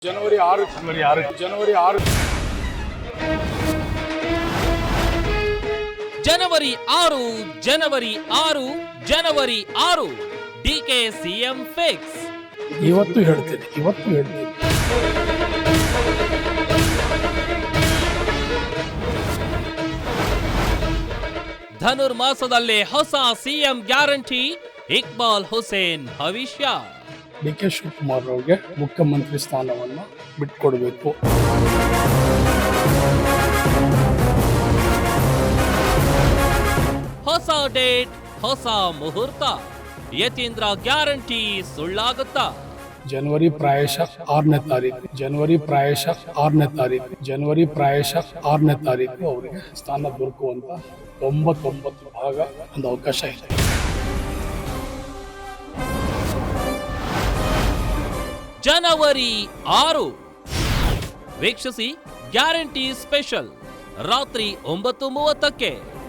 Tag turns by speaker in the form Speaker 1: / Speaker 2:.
Speaker 1: ಜನವರಿ 6 ಜನವರಿ 6
Speaker 2: ಜನವರಿ 6 DK CM fix.
Speaker 1: ಇವತ್ತು ಹೇಳ್ತೀನಿ.
Speaker 2: ಧನುರ್ಮಾಸದಲ್ಲೇ ಹೊಸ ಸಿಎಂ ಗ್ಯಾರಂಟಿ, ಇಕ್ಬಾಲ್ ಹುಸೇನ್ ಭವಿಷ್ಯ.
Speaker 1: ಡಿ.ಕೆ. ಶಿವಕುಮಾರ್ ಅವರಿಗೆ ಮುಖ್ಯಮಂತ್ರಿ ಸ್ಥಾನವನ್ನು ಬಿಟ್ಕೊಡ್ಬೇಕು.
Speaker 2: ಹೊಸ ಡೇಟ್, ಹೊಸ ಮುಹೂರ್ತ. ಯತೀಂದ್ರ ಗ್ಯಾರಂಟಿ ಸುಳ್ಳಾಗುತ್ತಾ?
Speaker 1: ಜನವರಿ ಪ್ರಾಯಶಃ 6ನೇ ತಾರೀಕು ಅವರಿಗೆ ಸ್ಥಾನ ದೊರಕುವಂತ 99% ಒಂದು ಅವಕಾಶ ಇದೆ.
Speaker 2: ಜನವರಿ 6 ವೀಕ್ಷಿಸಿ ಗ್ಯಾರಂಟಿ ಸ್ಪೆಷಲ್ ರಾತ್ರಿ 9:30ಕ್ಕೆ.